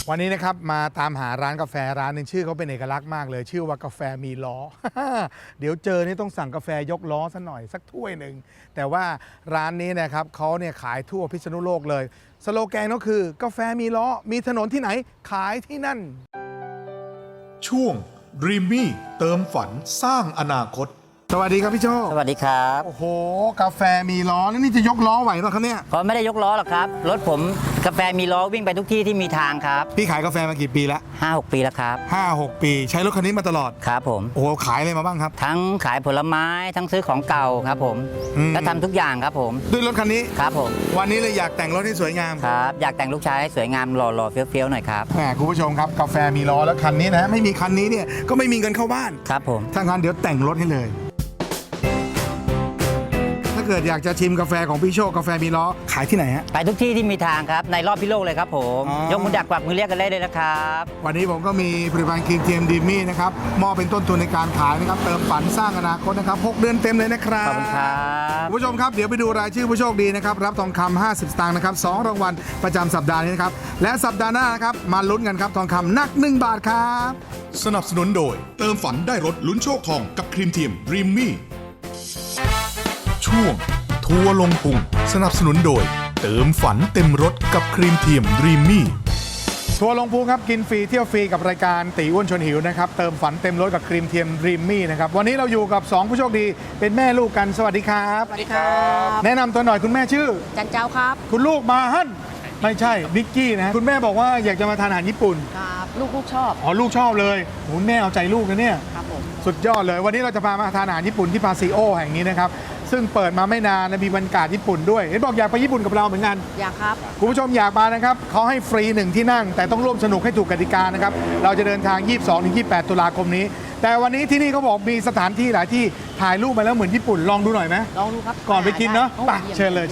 วันนี้นะครับมาตามหาร้านกาแฟร้านหนึ่งชื่อเขาเป็นเอกลักษณ์มากเลยชื่อว่ากาแฟมีล้อ เดี๋ยวเจอนี่ต้องสั่งกาแฟยกล้อซะหน่อยสักถ้วยหนึ่งแต่ว่าร้านนี้นะครับเขาเนี่ยขายทั่วพิษณุโลกเลยสโลแกนก็คือกาแฟมีล้อมีถนนที่ไหนขายที่นั่นช่วง Dreamy เติมฝันสร้างอนาคตสวัสดีครับพี่โชคสวัสดีครับโอ้โหกาแฟมีล้อแล้วนี่จะยกล้อไหวป่ะครับเนี่ยก็ไม่ได้ยกล้อหรอกครับรถผมกาแฟมีล้อวิ่งไปทุกที่ที่มีทางครับพี่ขายกาแฟมากี่ปีแล้ว 5-6 ปีแล้วครับ 5-6 ปีใช้รถคันนี้มาตลอดครับผมโอ้โหขายอะไรมาบ้างครับทั้งขายผลไม้ทั้งซื้อของเก่าครับผมและทำทุกอย่างครับผมด้วยรถคันนี้ครับผมวันนี้เลยอยากแต่งรถให้สวยงามครับอยากแต่งลูกชายให้สวยงามหล่อๆเฟี้ยวๆหน่อยครับแหมคุณผู้ชมครับกาแฟมีล้อแล้วคันนี้นะไม่มีคันนี้เนี่ยก็ไม่มีเงินเข้าบ้านครับผมถ้างั้นเดี๋ยวแต่งรถให้เลยถ้าเกิดอยากจะชิมกาแฟของพี่โชคกาแฟมีล้อขายที่ไหนฮะไปทุกที่ที่มีทางครับในรอบพิโลกเลยครับผมยกมือดักกวักมือเรียกกันได้เลยนะครับวันนี้ผมก็มีผลิตภัณฑ์ครีมเทียมดีมี่นะครับมอบเป็นต้นทุนในการขายนะครับเติมฝันสร้างอนาคตนะครับ6 เดือนเต็มเลยนะครับขอบคุณครับคุณผู้ชมครับเดี๋ยวไปดูรายชื่อผู้โชคดีนะครับรับทองคำ50 สตางค์นะครับ2รางวัลประจำสัปดาห์นี้นะครับและสัปดาห์หน้านะครับมาลุ้นกันครับทองคำหนัก1 บาทครับสนับสนุนโดยเติมฝันได้รถลุ้นโชคทองกับครีมเทียม Dreamy ช่วงทัวร์ลงพุงสนับสนุนโดยเติมฝันเต็มรถกับครีมเทียม Dreamy ทัวร์ลงพุงครับกินฟรีเที่ยวฟรีกับรายการตีอ้วนชวนหิวนะครับเติมฝันเต็มรถกับครีมเทียม Dreamy นะครับวันนี้เราอยู่กับ2ผู้โชคดีเป็นแม่ลูกกันสวัสดีครับสวัสดีครับแนะนำตัวหน่อยคุณแม่ชื่อจันเจ้าครับคุณลูกมาฮั่นไม่ใช่นิกกี้นะคุณแม่บอกว่าอยากจะมาทานอาหารญี่ปุ่นครับลูกชอบอ๋อลูกชอบเลยคุณแม่เอาใจลูกนะเนี่ยครับผมสุดยอดเลยวันนี้เราจะพามาทานอาหารญี่ปุ่นที่พาซิโอแห่งนี้นะครับซึ่งเปิดมาไม่นานนะมีบรรยากาศญี่ปุ่นด้วยเห็นบอกอยากไปญี่ปุ่นกับเราเหมือนกันอยากครับคุณผู้ชมอยากมานะครับเขาให้ฟรี1ที่นั่งแต่ต้องร่วมสนุกให้ถูกกติกานะครับเราจะเดินทาง 22-28 ตุลาคมนี้แต่วันนี้ที่นี่เขาบอกมีสถานที่หลายที่ถ่ายรูปมาแล้วเหมือนญี่ปุ่นลองดูหน่อยไหมลองดูครับก่อนไปกินเนาะไปเชิญเลย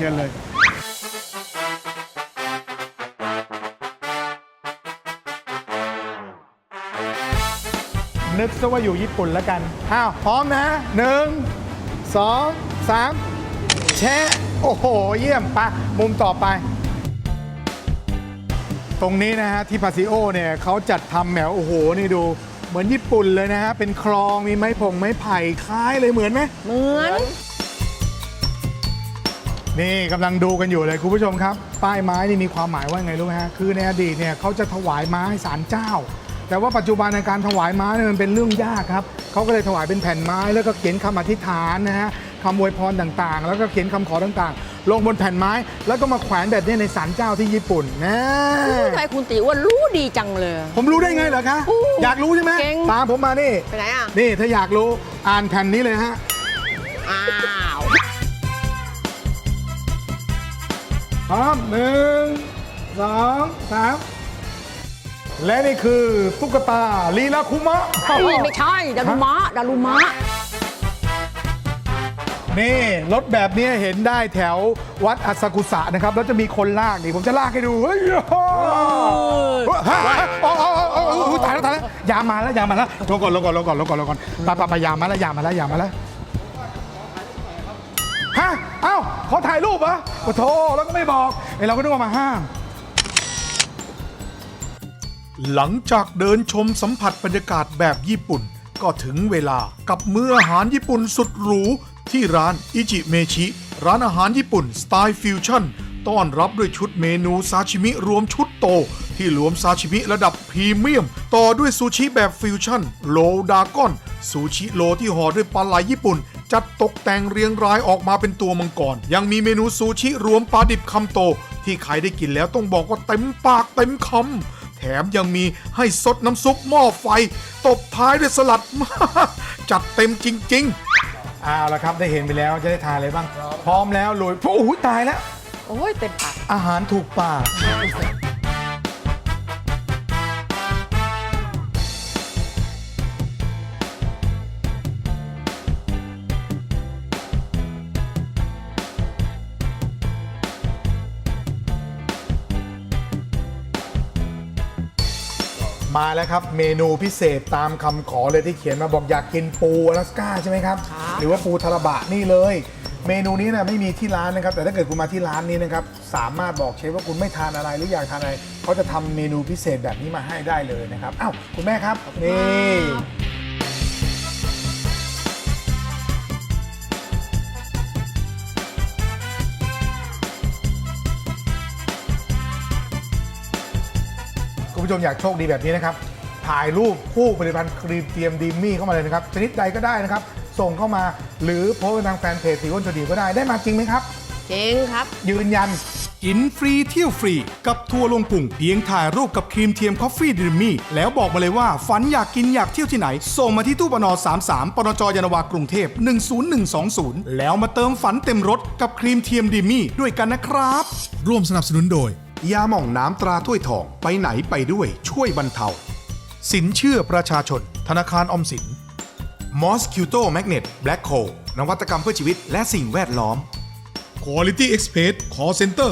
นึกซะว่าอยู่ญี่ปุ่นแล้วกันอ้าวพร้อมนะ1 2 3แชะโอ้โหเยี่ยมปะมุมต่อไปตรงนี้นะฮะที่พาซิโอเนี่ยเขาจัดทำแหมวโอ้โหนี่ดูเหมือนญี่ปุ่นเลยนะฮะเป็นคลองมีไม้ไผ่คล้ายเลยเหมือนไหมเหมือนนี่กำลังดูกันอยู่เลยคุณผู้ชมครับป้ายไม้นี่มีความหมายว่าไงรู้ไหมฮะคือในอดีตเนี่ยเขาจะถวายม้าให้ศาลเจ้าแต่ว่าปัจจุบันในการถวายม้าเนี่ยมันเป็นเรื่องยากครับเขาก็เลยถวายเป็นแผ่นไม้แล้วก็เขียนคำอธิษฐานนะฮะคำอวยพรต่างๆแล้วก็เขียนคำขอต่างๆลงบนแผ่นไม้แล้วก็มาแขวนแบบนี้ในศาลเจ้าที่ญี่ปุ่นนะทำไมคุณติอ้วนรู้ดีจังเลยผมรู้ได้ไงเหรอคะอยากรู้ใช่ไหมตามผมมานี่ไปไหนอ่ะนี่ถ้าอยากรู้อ่านแผ่นนี้เลยฮะอ้าวพร้อม1 2 3และนี่คือตุ๊กตาลีลาคุมะไม่ใช่ดารุมะนี่รถแบบนี้เห็นได้แถววัดอาซากุสะนะครับแล้วจะมีคนลากนี่ผมจะลากให้ดูเฮ้ยตายแล้วยามาแล้วลงก่อนไปยามาแล้วฮะเอ้าเขาถ่ายรูปเหรอโอ้โธ่แล้วก็ไม่บอกเราก็นึกว่ามาห้ามหลังจากเดินชมสัมผัสบรรยากาศแบบญี่ปุ่นก็ถึงเวลากับมื้ออาหารญี่ปุ่นสุดหรูที่ร้านอิจิเมชิร้านอาหารญี่ปุ่นสไตล์ฟิวชั่นต้อนรับด้วยชุดเมนูซาชิมิรวมชุดโตที่รวมซาชิมิระดับพรีเมียมต่อด้วยซูชิแบบฟิวชั่นโลดากอนซูชิโลที่ห่อด้วยปลาไหลญี่ปุ่นจัดตกแต่งเรียงรายออกมาเป็นตัวมังกรยังมีเมนูซูชิรวมปลาดิบคำโตที่ใครได้กินแล้วต้องบอกว่าเต็มปากเต็มคำแถมยังมีให้ซดน้ำซุปหม้อไฟตบท้ายด้วยสลัด จัดเต็มจริงๆเอาละครับได้เห็นไปแล้วจะได้ทานอะไรบ้างพร้อมแล้วลุยโอ้โหตายแล้วโอ้ยเต็มปากอาหารถูกปากมาแล้วครับเมนูพิเศษตามคำขอเลยที่เขียนมาบอกอยากกินปูอลาสก้าใช่ไหมครับหรือว่าปูทาราบะนี่เลยเมนูนี้นะไม่มีที่ร้านนะครับแต่ถ้าเกิดคุณมาที่ร้านนี้นะครับสามารถบอกเชฟว่าคุณไม่ทานอะไรหรืออยากทานอะไรเขาจะทำเมนูพิเศษแบบนี้มาให้ได้เลยนะครับอ้าวคุณแม่ครับนี่คุณผู้ชมอยากโชคดีแบบนี้นะครับถ่ายรูปคู่ผลิตภัณฑ์ครีมเทียมดีมี่เข้ามาเลยนะครับชนิดใดก็ได้นะครับส่งเข้ามาหรือโพสต์ทางแฟนเพจตีอ้วนชวนดีก็ได้มาจริงไหมครับเจ๊งครับยืนยันกินฟรีเที่ยวฟรีกับทัวร์ลงปุ่งเพียงถ่ายรูปกับครีมเทียมคอฟฟี่ดิมี่แล้วบอกมาเลยว่าฝันอยากกินอยากเที่ยวที่ไหน ส่งมาที่ตู้ปน33ปนจยานนาวากรุงเทพ10120แล้วมาเติมฝันเต็มรถกับครีมเทียมดิมี่ด้วยกันนะครับ ร่วมสนับสนุนโดยยาหม่องน้ำตราถ้วยทองไปไหนไปด้วยช่วยบรรเทาสินเชื่อประชาชนธนาคารออมสิน Mosquito Magnet Black Hole นวัตกรรมเพื่อชีวิตและสิ่งแวดล้อม Quality Express Call Center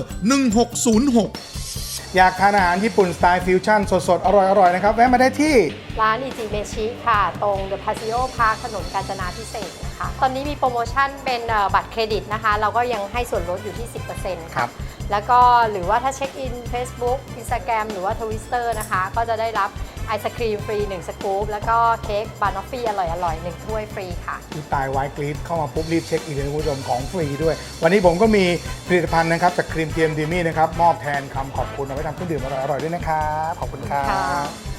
1606 อยากทานอาหารญี่ปุ่นสไตล์ฟิวชั่นสดๆ อร่อยๆ นะครับ แวะมาได้ที่ร้านอิจิเมชิค่ะ ตรงเดอะพาซิโอพาร์คถนนกาญจนาพิเศษกนะคะ ตอนนี้มีโปรโมชั่นเป็นบัตรเครดิตนะคะ เราก็ยังให้ส่วนลดอยู่ที่ 10% ครับแล้วก็หรือว่าถ้าเช็คอิน Facebook Instagram หรือว่า Twitter นะคะ ก็จะได้รับไอศครีมฟรี 1 สกู๊ปแล้วก็เค้กบานอฟฟี่อร่อยๆ 1 ถ้วยฟรีค่ะที่ตายไวกรีดเข้ามาปุ๊บรีบเช็คอินเลยคุณผู้ชมของฟรีด้วย วันนี้ผมก็มีผลิตภัณฑ์นะครับจากครีมเทียมดีมี่นะครับมอบแทนคำขอบคุณเอาไว้ทำเครื่องดื่มอร่อยๆด้วยนะครับขอบคุณครับ